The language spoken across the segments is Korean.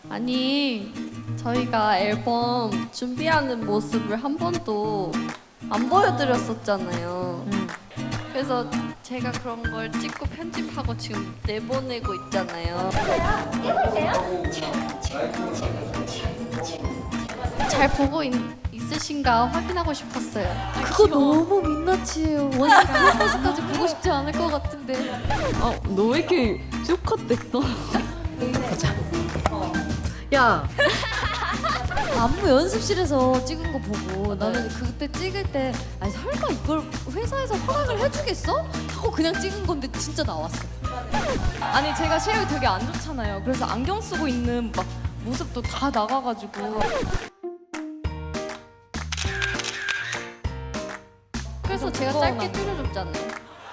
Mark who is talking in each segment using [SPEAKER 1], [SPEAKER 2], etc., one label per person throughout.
[SPEAKER 1] 아니, 저희가 앨범 준비하는 모습을 한 번도 안 보여드렸었잖아요. 그래서 제가 그런 걸 찍고 편집하고 지금 내보내고 있잖아요. 잘 보고 있으신가 확인하고 싶었어요.
[SPEAKER 2] 그거 너무 민낯이에요. 원래 그런 모습까지 보고 싶지 않을 것 같은데.
[SPEAKER 3] 너 왜 이렇게 쇼컷됐어?
[SPEAKER 2] 야. 안무 연습실에서 찍은 거 보고 나는 그때 찍을 때 아니 설마 이걸 회사에서 허락을 해주겠어? 하고 그냥 찍은 건데 진짜 나왔어.
[SPEAKER 3] 아니 제가 체력이 되게 안 좋잖아요. 그래서 안경 쓰고 있는 막 모습도 다 나가가지고.
[SPEAKER 1] 그래서 제가 짧게 줄여줬잖아요.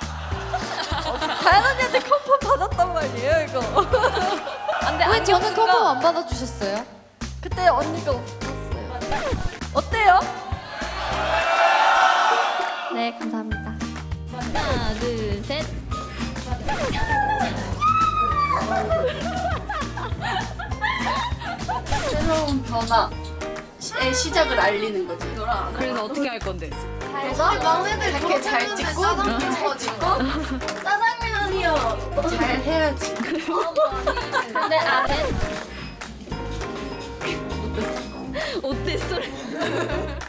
[SPEAKER 1] 다현 언니한테 컨펌 받았단 말이에요, 이거.
[SPEAKER 3] 근데
[SPEAKER 2] 왜 저는 컨펌 안 받아주셨어요?
[SPEAKER 1] 그때 언니가 없었어요. 어때요? 네, 감사합니다.
[SPEAKER 3] 하나, 둘, 셋.
[SPEAKER 1] 새로운 변화의 시작을 알리는 거지.
[SPEAKER 3] 그래서 어떻게 할 건데?
[SPEAKER 1] 그래서 막내들 이렇게 잘 찍고 잘 찍고 짜장면이요 잘 해야지.
[SPEAKER 3] 근데 어땠어?